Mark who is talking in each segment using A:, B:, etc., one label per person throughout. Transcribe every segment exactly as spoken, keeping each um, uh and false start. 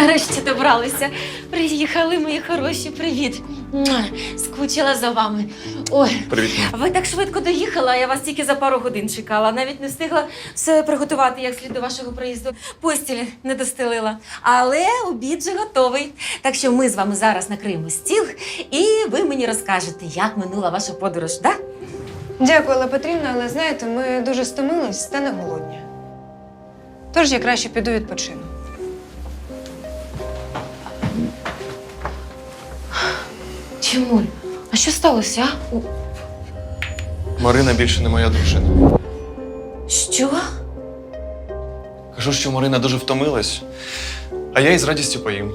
A: Нарешті добралися. Приїхали, мої хороші, привіт. Муа, скучила за вами. Ой,
B: Привіт.
A: ви так швидко доїхали, а я вас тільки за пару годин чекала. Навіть не встигла все приготувати як слід до вашого приїзду. Постілі не достелила. Але обід вже готовий. Так що ми з вами зараз накриємо стіл, і ви мені розкажете, як минула ваша подорож, так? Да?
C: Дякую, Алла Петрівна, але знаєте, ми дуже стомились та не голодні. Тож я краще піду відпочину.
A: Тимуль, а що сталося, а? У-
B: Марина більше не моя дружина.
A: Що?
B: Кажу, що Марина дуже втомилась, а я із радістю поїм.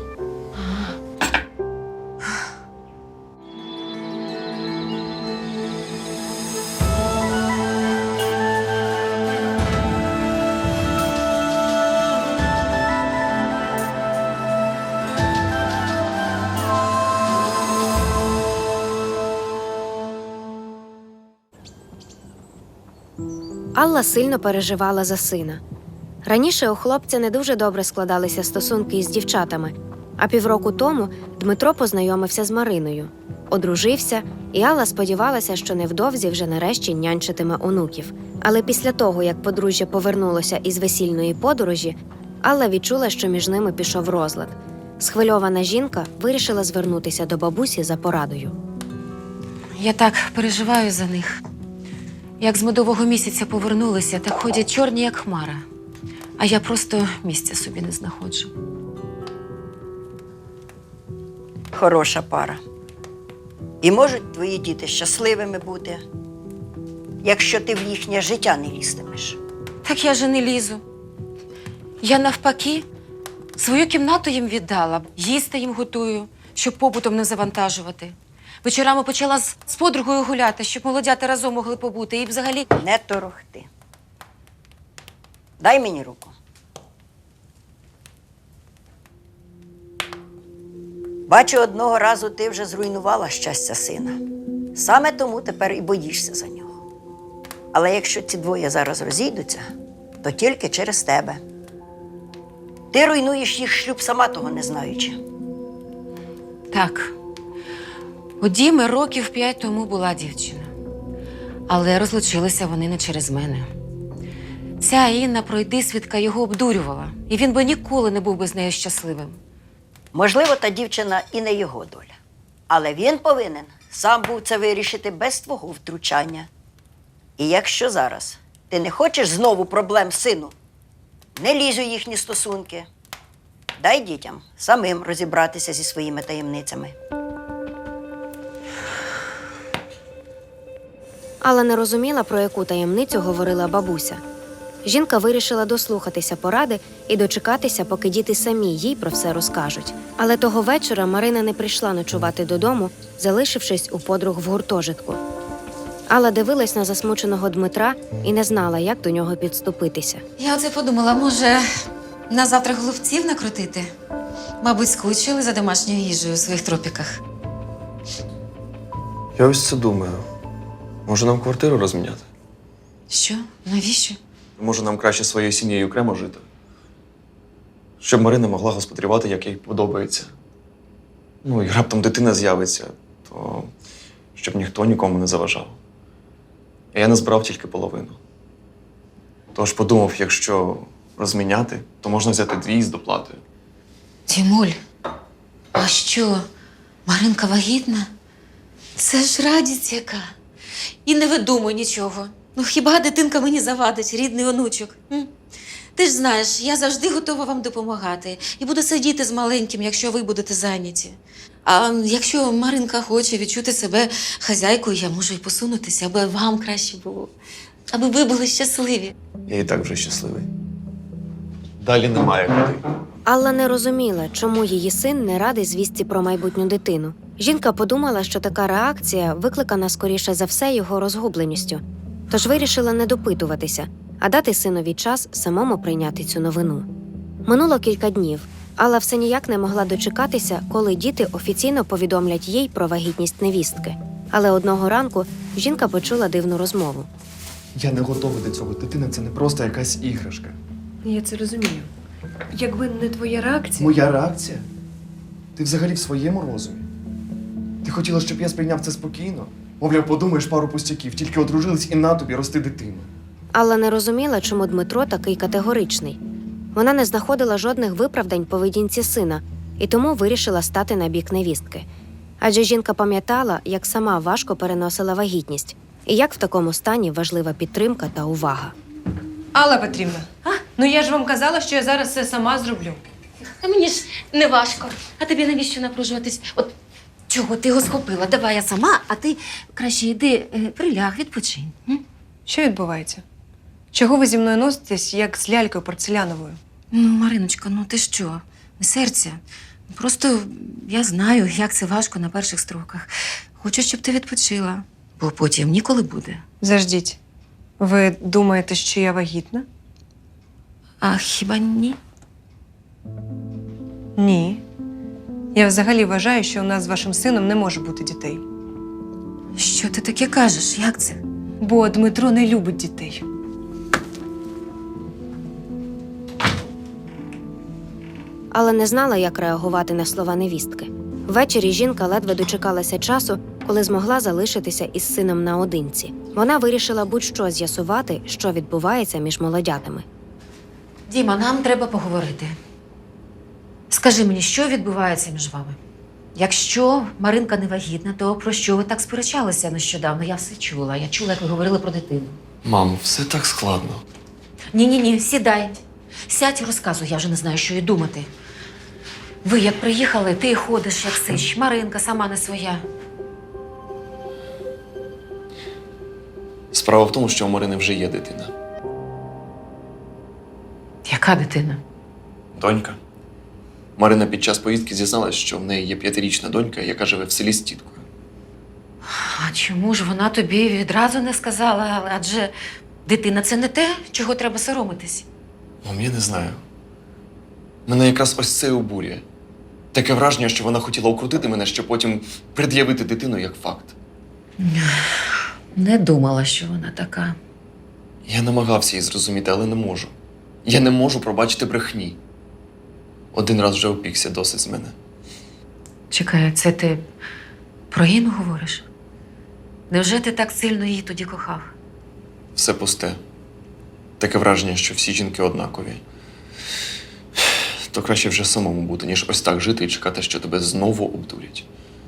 D: Алла сильно переживала за сина. Раніше у хлопця не дуже добре складалися стосунки із дівчатами, а півроку тому Дмитро познайомився з Мариною. Одружився, і Алла сподівалася, що невдовзі вже нарешті нянчитиме онуків. Але після того, як подружжя повернулося із весільної подорожі, Алла відчула, що між ними пішов розлад. Схвильована жінка вирішила звернутися до бабусі за порадою.
A: Я так переживаю за них. Як з медового місяця повернулися, так ходять чорні, як хмара. А я просто місця собі не знаходжу.
E: Хороша пара. І можуть твої діти щасливими бути, якщо ти в їхнє життя не лізтимеш.
A: Так я же не лізу. Я навпаки свою кімнату їм віддала, їсти їм готую, щоб побутом не завантажувати. Вечорами почала з, з подругою гуляти, щоб молодята разом могли побути. І взагалі…
E: Не торохти. Дай мені руку. Бачу, одного разу ти вже зруйнувала щастя сина. Саме тому тепер і боїшся за нього. Але якщо ці двоє зараз розійдуться, то тільки через тебе. Ти руйнуєш їх шлюб, сама того не знаючи.
A: Так. У Діми років п'ять тому була дівчина. Але розлучилися вони не через мене. Ця Інна пройдисвідка його обдурювала. І він би ніколи не був би з нею щасливим.
E: Можливо, та дівчина і не його доля. Але він повинен сам був це вирішити без твого втручання. І якщо зараз ти не хочеш знову проблем з сину, не лізь у їхні стосунки. Дай дітям самим розібратися зі своїми таємницями.
D: Алла не розуміла, про яку таємницю говорила бабуся. Жінка вирішила дослухатися поради і дочекатися, поки діти самі їй про все розкажуть. Але того вечора Марина не прийшла ночувати додому, залишившись у подруг в гуртожитку. Алла дивилась на засмученого Дмитра і не знала, як до нього підступитися.
A: Я оце подумала, може, на завтра голубців накрутити? Мабуть, скучили за домашньою їжею у своїх тропіках.
B: Я ось це думаю. Може, нам квартиру розміняти?
A: Що? Навіщо?
B: Може, нам краще своєю сім'єю окремо жити? Щоб Марина могла господарювати, як їй подобається. Ну, і раптом дитина з'явиться, то щоб ніхто нікому не заважав. А я не збирав тільки половину. Тож подумав, якщо розміняти, то можна взяти дві з доплатою.
A: Тімуль, а що, Маринка вагітна? Це ж радість яка. І не видумуй нічого. Ну хіба дитинка мені завадить, рідний онучок? М? Ти ж знаєш, я завжди готова вам допомагати. І буду сидіти з маленьким, якщо ви будете зайняті. А якщо Маринка хоче відчути себе хазяйкою, я можу й посунутися, аби вам краще було. Аби ви були щасливі.
B: Я і так вже щасливий. Далі немає куди.
D: Алла не розуміла, чому її син не радий звістці про майбутню дитину. Жінка подумала, що така реакція викликана, скоріше за все, його розгубленістю. Тож вирішила не допитуватися, а дати синові час самому прийняти цю новину. Минуло кілька днів. Алла все ніяк не могла дочекатися, коли діти офіційно повідомлять їй про вагітність невістки. Але одного ранку жінка почула дивну розмову.
F: Я не готовий до цього. Дитина – це не просто якась іграшка.
C: Я це розумію. Якби не твоя реакція.
B: Моя реакція? Ти взагалі в своєму розумі? Ти хотіла, щоб я сприйняв це спокійно? Мовляв, подумаєш пару пустяків, тільки одружились і на тобі рости дитину.
D: Алла не розуміла, чому Дмитро такий категоричний. Вона не знаходила жодних виправдань поведінці сина і тому вирішила стати на бік невістки. Адже жінка пам'ятала, як сама важко переносила вагітність і як в такому стані важлива підтримка та увага.
C: Алла Петрівна, а? ну я ж вам казала, що я зараз все сама зроблю.
A: Та мені ж не важко. А тобі навіщо напружуватись? От чого ти його схопила? Давай я сама, а ти краще йди, е, приляг, відпочинь. м?
C: Що відбувається? Чого ви зі мною носитесь, як з лялькою порцеляновою?
A: Ну, Мариночка, ну ти що? Не серця. Просто я знаю, як це важко на перших строках. Хочу, щоб ти відпочила, бо потім ніколи буде.
C: Заждіть. Ви думаєте, що я вагітна?
A: А хіба ні?
C: Ні. Я взагалі вважаю, що у нас з вашим сином не може бути дітей.
A: Що ти таке кажеш? Як це?
C: Бо Дмитро не любить дітей.
D: Але не знала, як реагувати на слова невістки. Ввечері жінка ледве дочекалася часу, коли змогла залишитися із сином наодинці. Вона вирішила будь-що з'ясувати, що відбувається між молодятами.
A: Діма, нам треба поговорити. Скажи мені, що відбувається між вами? Якщо Маринка не вагітна, то про що ви так сперечалися нещодавно? Я все чула. Я чула, як ви говорили про дитину.
B: Мамо, все так складно.
A: Ні-ні-ні, сідай. Сядь і розказуй, я вже не знаю, що й думати. Ви як приїхали, ти ходиш, як сич. Маринка сама не своя.
B: Справа в тому, що у Марини вже є дитина.
A: Яка дитина?
B: Донька. Марина під час поїздки зізналась, що в неї є п'ятирічна донька, яка живе в селі з тіткою.
A: А чому ж вона тобі відразу не сказала? Адже дитина – це не те, чого треба соромитись.
B: Мам, я не знаю. Мене якраз ось це і обурює. Таке враження, що вона хотіла укрутити мене, щоб потім пред'явити дитину як факт.
A: Не думала, що вона така.
B: Я намагався її зрозуміти, але не можу. Я не можу пробачити брехні. Один раз вже опікся, досить з мене.
A: Чекай, це ти про Інну говориш? Невже ти так сильно її тоді кохав?
B: Все пусте. Таке враження, що всі жінки однакові. То краще вже самому бути, ніж ось так жити і чекати, що тебе знову обдурять.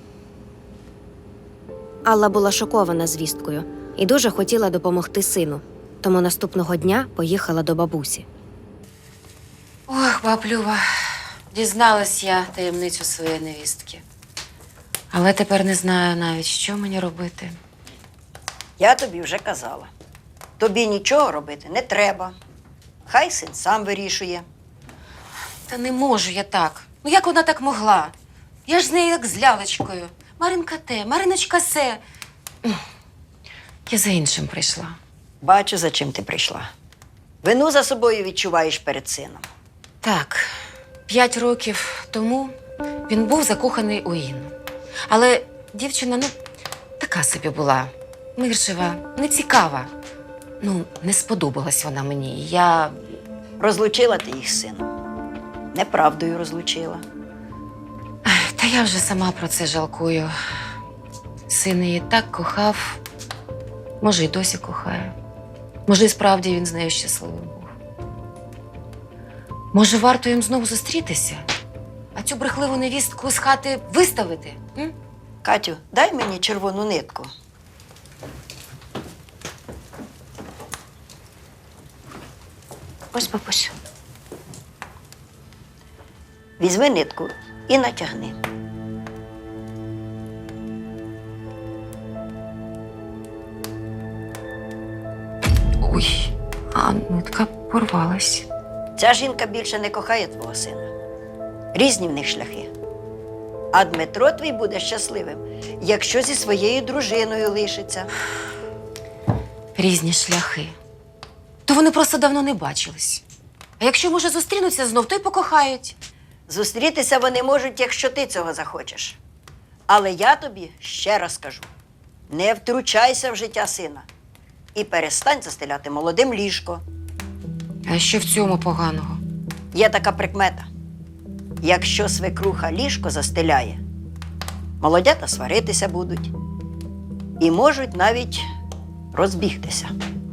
D: Алла була шокована звісткою і дуже хотіла допомогти сину. Тому наступного дня поїхала до бабусі.
A: Ох, баблюва, дізналась я таємницю своєї невістки. Але тепер не знаю навіть, що мені робити.
E: Я тобі вже казала. Тобі нічого робити не треба. Хай син сам вирішує.
A: Та не можу я так. Ну як вона так могла? Я ж з нею як з лялечкою. Маринка те, Мариночка се. Я за іншим прийшла.
E: Бачу, за чим ти прийшла. Вину за собою відчуваєш перед сином.
A: Так, п'ять років тому він був закоханий у Інну. Але дівчина, ну, така собі була. Миршева, нецікава. Ну, не сподобалась вона мені. Я...
E: Розлучила ти їх з сином. Неправдою розлучила.
A: Та я вже сама про це жалкую. Син її так кохав. Може, й досі кохає. Може, і справді він з нею щасливим був. Може, варто їм знову зустрітися? А цю брехливу невістку з хати виставити? М?
E: Катю, дай мені червону нитку.
D: Ось, бабусь.
E: Візьми нитку і натягни.
A: Ой, а нитка порвалась.
E: Ця жінка більше не кохає твого сина. Різні в них шляхи. А Дмитро твій буде щасливим, якщо зі своєю дружиною лишиться.
A: Різні шляхи. То вони просто давно не бачились. А якщо, може, зустрінуться знов, то й покохають.
E: Зустрітися вони можуть, якщо ти цього захочеш. Але я тобі ще раз кажу: не втручайся в життя сина і перестань застеляти молодим ліжко.
A: А що в цьому поганого?
E: Є така прикмета. Якщо свекруха ліжко застеляє, молодята сваритися будуть і можуть навіть розбігтися.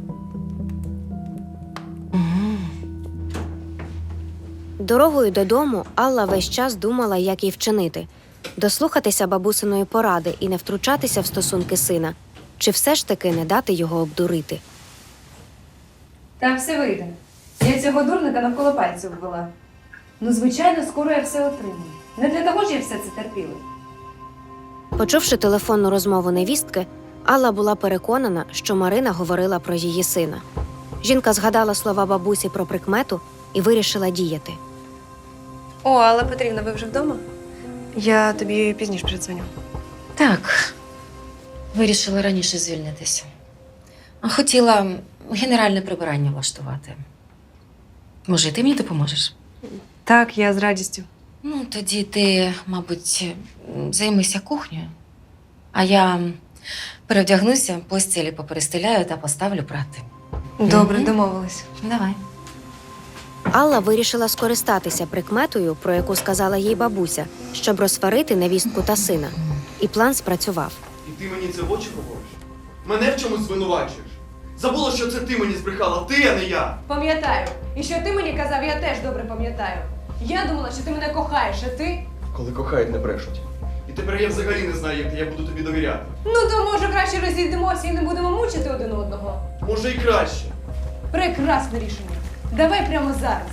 D: Дорогою додому Алла весь час думала, як їй вчинити – дослухатися бабусиної поради і не втручатися в стосунки сина, чи все ж таки не дати його обдурити.
C: Там все вийде. Я цього дурника навколо пальців ввела. Ну, звичайно, скоро я все отримаю. Не для того ж я все це терпіла.
D: Почувши телефонну розмову невістки, Алла була переконана, що Марина говорила про її сина. Жінка згадала слова бабусі про прикмету і вирішила діяти.
C: О, Алла Петрівна, ви вже вдома? Я тобі пізніше передзвоню.
A: Так, вирішила раніше звільнитися. Хотіла генеральне прибирання влаштувати. Може, і ти мені допоможеш?
C: Так, я з радістю.
A: Ну, тоді ти, мабуть, займися кухнею, а я перевдягнуся, постілі поперестеляю та поставлю прати.
C: Добре,
A: Мгм.
C: домовились.
A: Давай.
D: Алла вирішила скористатися прикметою, про яку сказала їй бабуся, щоб розсварити невістку та сина. І план спрацював.
F: І ти мені це в очі говориш? Мене в чомусь звинувачуєш? Забула, що це ти мені збрехала, ти, а не я.
C: Пам'ятаю. І що ти мені казав, я теж добре пам'ятаю. Я думала, що ти мене кохаєш, а ти?
F: Коли кохають, не брешуть. І тепер я взагалі не знаю, як я буду тобі довіряти.
C: Ну то може краще розійдемося і не будемо мучити один одного.
F: Може і краще.
C: Прекрасне рішення. Давай прямо зараз.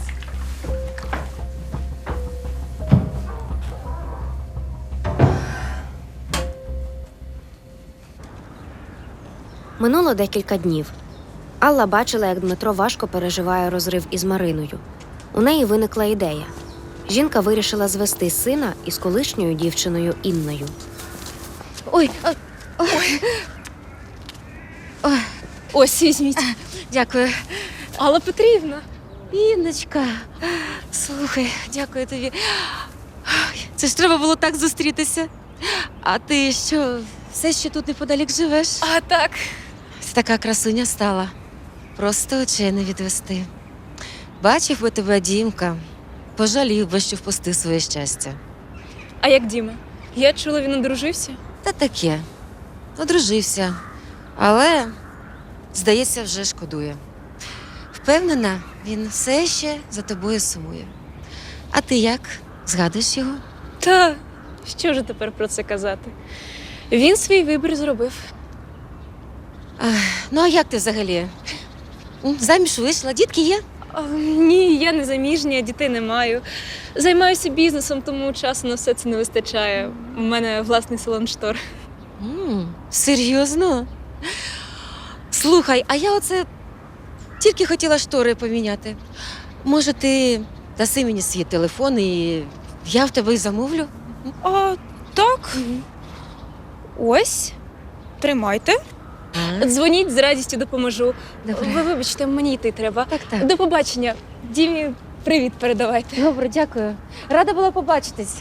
D: Минуло декілька днів. Алла бачила, як Дмитро важко переживає розрив із Мариною. У неї виникла ідея. Жінка вирішила звести сина із колишньою дівчиною Інною.
A: Ой, ой, ой. Ой,
G: Ось, візьміть.
A: дякую.
G: Алла Петрівна.
A: Інночка, слухай, дякую тобі. Ой, це ж треба було так зустрітися. А ти що, все ще тут неподалік живеш?
G: А так.
A: Ти така красуня стала. Просто очей не відвести. Бачив би тебе Дімка, пожалів би, що впустив своє щастя.
G: А як Діма? Я чула, він одружився.
A: Та таке. Одружився. Але, здається, вже шкодує. Впевнена, він все ще за тобою сумує. А ти як? Згадуєш його?
G: Та що ж тепер про це казати? Він свій вибір зробив.
A: Ах, ну, а як ти взагалі? М, Заміж вийшла, дітки є?
G: А, ні, я не заміжня, дітей не маю. Займаюся бізнесом, тому часу на все це не вистачає. У мене власний салон штор.
A: М, серйозно? Слухай, а я оце тільки хотіла штори поміняти. Може, ти даси мені свій телефон і я в тебе і замовлю?
G: А, так. Ось. Тримайте. Дзвоніть, з радістю допоможу.
A: Добре.
G: Ви вибачте, мені йти треба.
A: Так, так.
G: До побачення. Дімі, привіт передавайте.
A: Добре, дякую. Рада була побачитись.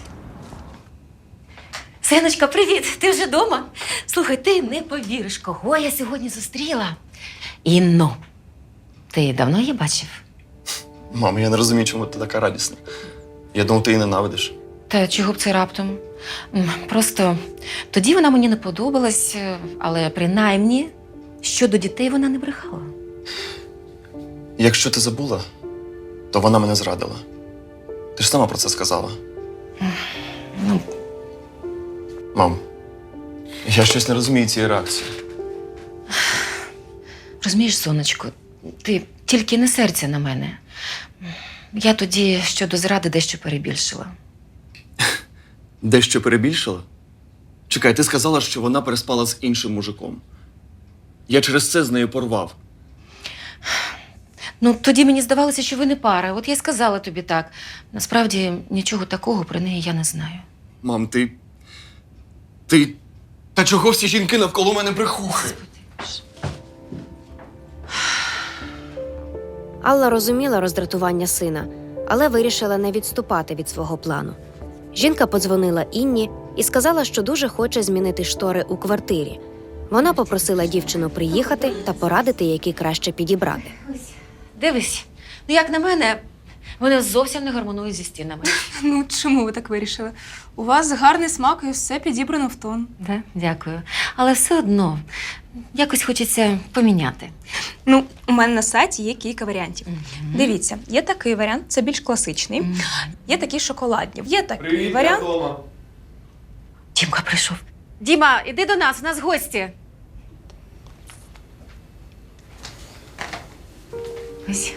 A: Синочка, привіт! Ти вже вдома? Слухай, ти не повіриш, кого я сьогодні зустріла. Інну. Ти давно її бачив?
B: Мамо, я не розумію, чому ти така радісна. Я думав, ти її ненавидиш.
A: Та чого б це раптом? М, Просто тоді вона мені не подобалась, але принаймні щодо дітей вона не брехала.
B: Якщо ти забула, то вона мене зрадила. Ти ж сама про це сказала.
A: Ну,
B: Мам, я щось не розумію цієї реакції.
A: розумієш, сонечко, ти тільки не серця на мене. Я тоді щодо зради дещо перебільшила.
B: Дещо перебільшила? Чекай, ти сказала, що вона переспала з іншим мужиком. Я через це з нею порвав.
A: Ну, тоді мені здавалося, що ви не пара. От я й сказала тобі так. Насправді, нічого такого про неї я не знаю.
B: Мам, ти. Ти. Та чого всі жінки навколо мене брехухи?
D: Алла розуміла роздратування сина, але вирішила не відступати від свого плану. Жінка подзвонила Інні і сказала, що дуже хоче змінити штори у квартирі. Вона попросила дівчину приїхати та порадити, які краще підібрати.
A: Дивись, ну як на мене, Вони зовсім не гармонують зі стінами.
G: Ну, чому ви так вирішили? У вас гарний смак і все підібрано в тон.
A: Да? Дякую. Але все одно якось хочеться поміняти.
G: Ну, у мене на сайті є кілька варіантів.
A: Мгм.
G: Дивіться, є такий варіант, це більш класичний.
A: Мгм.
G: Є такі шоколадні. Є такий
F: Привіт, я
G: варіант.
F: вдома.
A: Дімка прийшов. Діма, іди до нас, у нас гості. Ось.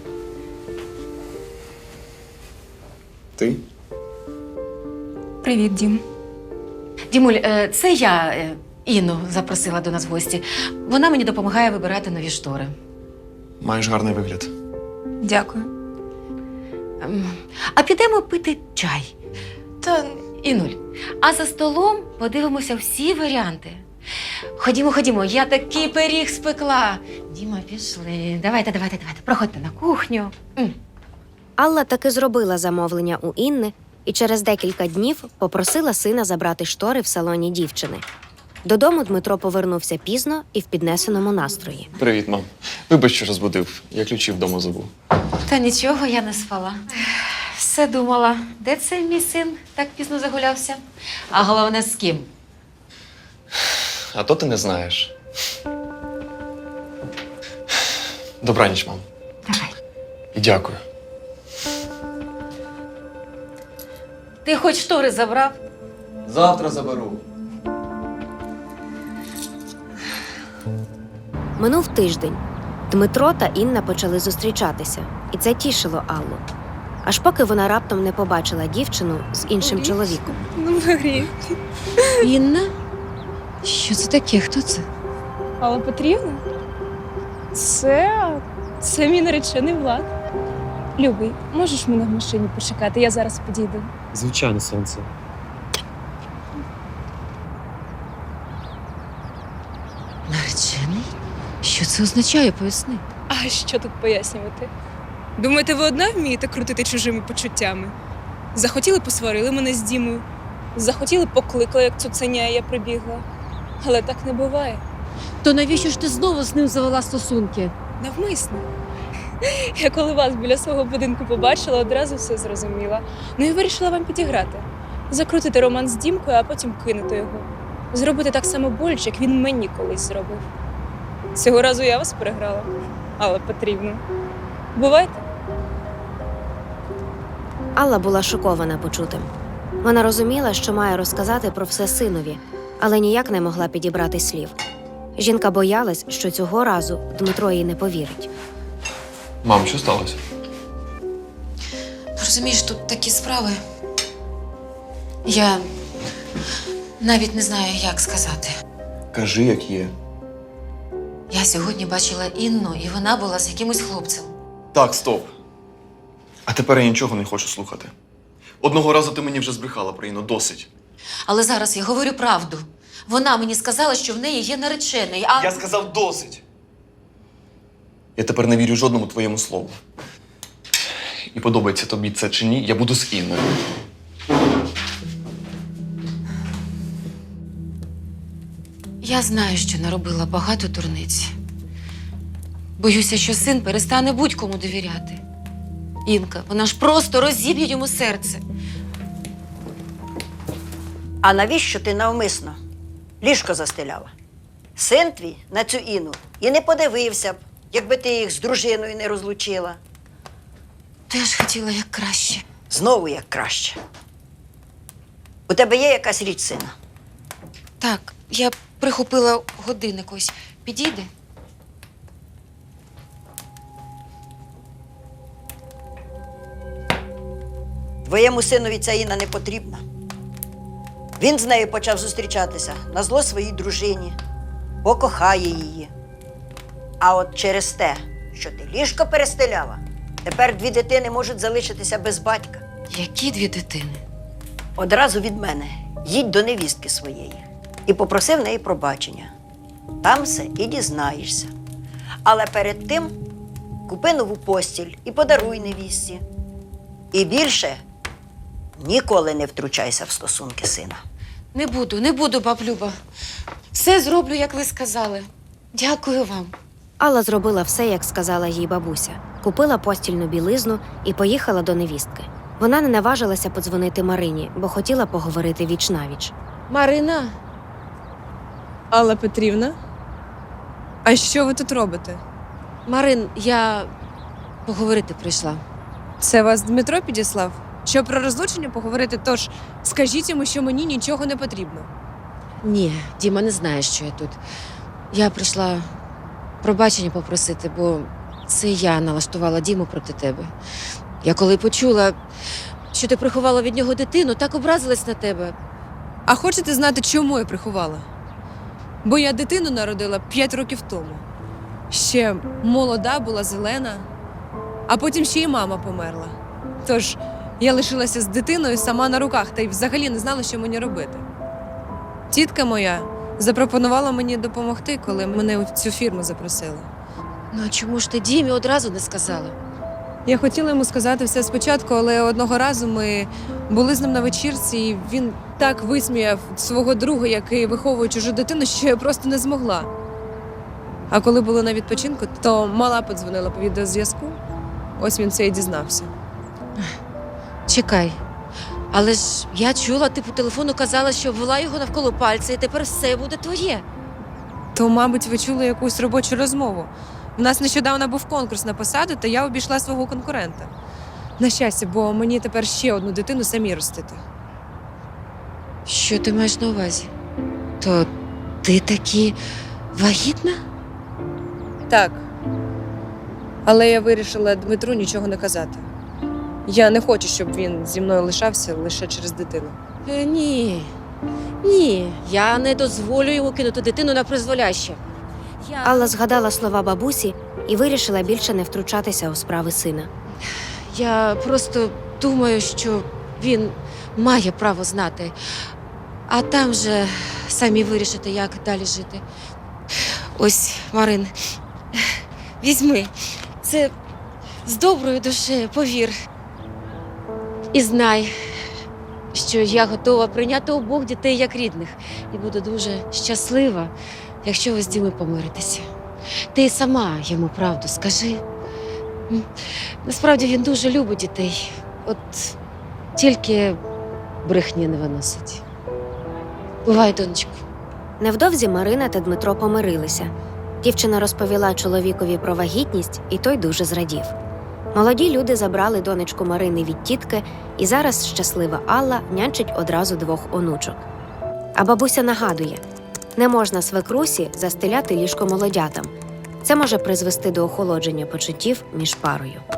B: Ти?
G: Привіт, Дім.
A: Дімуль, е, це я е, Інну запросила до нас в гості. Вона мені допомагає вибирати нові штори.
B: Маєш гарний вигляд.
G: Дякую.
A: Ем, А підемо пити чай.
G: Та
A: Інуль, а за столом подивимося всі варіанти. Ходімо, ходімо, я такий пиріг спекла. Діма, пішли. Давайте, давайте, давайте. Проходьте на кухню. М.
D: Алла таки зробила замовлення у Інни і через декілька днів попросила сина забрати штори в салоні дівчини. Додому Дмитро повернувся пізно і в піднесеному настрої.
B: Привіт, мам. Вибач, що розбудив. Я ключі вдома забув.
A: Та нічого, я не спала. Все думала, де це мій син так пізно загулявся? А головне, з ким?
B: А то ти не знаєш. Добраніч, мам.
A: Давай.
B: І дякую.
A: Ти хоч штори забрав?
B: Завтра заберу.
D: Минув тиждень. Дмитро та Інна почали зустрічатися, і це тішило Аллу. Аж поки вона раптом не побачила дівчину з іншим
G: Ой.
D: чоловіком.
G: ну грі.
A: Інна? Що це таке? Хто це?
G: Алла Петрівна? Це. Це мій наречений Влад. Любий, можеш мене в машині почекати? Я зараз підійду.
H: Звичайно, сонце.
A: Наречений? Що це означає? Поясни.
G: А що тут пояснювати? Думаєте, ви одна вмієте крутити чужими почуттями? Захотіли, посварили мене з Дімою. Захотіли, покликали, як цуценя, і я прибігла. Але так не буває.
I: То навіщо ж ти знову з ним завела стосунки?
G: Навмисно. Я коли вас біля свого будинку побачила, одразу все зрозуміла. Ну і вирішила вам підіграти. Закрутити роман з Дімкою, а потім кинути його. Зробити так само боляче, як він мені колись зробив. Цього разу я вас переграла. Алла Петрівна. Бувайте.
D: Алла була шокована почутим. Вона розуміла, що має розказати про все синові, але ніяк не могла підібрати слів. Жінка боялась, що цього разу Дмитро їй не повірить.
B: Мам, що сталося?
A: Розумієш, тут такі справи. Я навіть не знаю, як сказати.
B: Кажи, як є.
A: Я сьогодні бачила Інну, і вона була з якимось хлопцем.
B: Так, стоп. А тепер я нічого не хочу слухати. Одного разу ти мені вже збрехала про Інну, досить.
A: Але зараз я говорю правду. Вона мені сказала, що в неї є наречений, а...
B: Я сказав досить. Я тепер не вірю жодному твоєму слову. І подобається тобі це чи ні, я буду з Інною.
A: Я знаю, що наробила багато дурниць. Боюся, що син перестане будь-кому довіряти. Інка, вона ж просто розіб'є йому серце.
E: А навіщо ти навмисно ліжко застеляла? Син твій на цю Інну і не подивився б, якби ти їх з дружиною не розлучила.
A: Теж хотіла як краще.
E: Знову як краще. У тебе є якась річ сина?
A: Так, я прихопила годинник ось. Підійде?
E: Твоєму синові ця Інна не потрібна. Він з нею почав зустрічатися назло своїй дружині, покохає її. А от через те, що ти ліжко перестеляла, тепер дві дитини можуть залишитися без батька.
A: Які дві дитини?
E: Одразу від мене їдь до невістки своєї і попроси в неї пробачення. Там все і дізнаєшся. Але перед тим купи нову постіль і подаруй невістці. І більше ніколи не втручайся в стосунки сина.
A: Не буду, не буду, баб Люба. Все зроблю, як ви сказали. Дякую вам.
D: Алла зробила все, як сказала їй бабуся. Купила постільну білизну і поїхала до невістки. Вона не наважилася подзвонити Марині, бо хотіла поговорити віч-навіч.
A: Марина,
G: Алла Петрівна? А що ви тут робите?
A: Марин, я поговорити прийшла.
G: Це вас Дмитро підіслав? Щоб про розлучення поговорити, тож скажіть йому, що мені нічого не потрібно.
A: Ні, Діма не знає, що я тут. Я прийшла пробачення попросити, бо це я налаштувала Діму проти тебе. Я коли почула, що ти приховала від нього дитину, так образилась на тебе.
G: А хочете знати, чому я приховала? Бо я дитину народила п'ять років тому. Ще молода була, зелена, а потім ще й мама померла. Тож я лишилася з дитиною сама на руках та й взагалі не знала, що мені робити. Тітка моя запропонувала мені допомогти, коли мене у цю фірму запросили.
A: Ну а чому ж ти Дімі одразу не сказала?
G: Я хотіла йому сказати все спочатку, але одного разу ми були з ним на вечірці, і він так висміяв свого друга, який виховує чужу дитину, що я просто не змогла. А коли були на відпочинку, то мала подзвонила по відеозв'язку. Ось він це і дізнався.
A: Чекай. Але ж я чула, ти по телефону казала, що ввела його навколо пальця, і тепер все буде твоє.
G: То, мабуть, ви чули якусь робочу розмову. У нас нещодавно був конкурс на посаду, та я обійшла свого конкурента. На щастя, бо мені тепер ще одну дитину самі ростити.
A: Що ти маєш на увазі? То ти таки вагітна?
G: Так. Але я вирішила Дмитру нічого не казати. Я не хочу, щоб він зі мною лишався лише через дитину.
A: Е, ні. Ні, я не дозволю йому кинути дитину на призволяще. Я...
D: Алла згадала слова бабусі і вирішила більше не втручатися у справи сина.
A: Я просто думаю, що він має право знати. А там же самі вирішите, як далі жити. Ось, Марин, візьми. Це з доброю душею, повір. І знай, що я готова прийняти обох дітей як рідних. І буду дуже щаслива, якщо ви з Дімою помиритеся. Ти й сама йому правду скажи. М? Насправді він дуже любить дітей. От тільки брехні не виносить. Бувай, донечко.
D: Невдовзі Марина та Дмитро помирилися. Дівчина розповіла чоловікові про вагітність, і той дуже зрадів. Молоді люди забрали донечку Марини від тітки, і зараз щаслива Алла нянчить одразу двох онучок. А бабуся нагадує, не можна свекрусі застеляти ліжко молодятам. Це може призвести до охолодження почуттів між парою.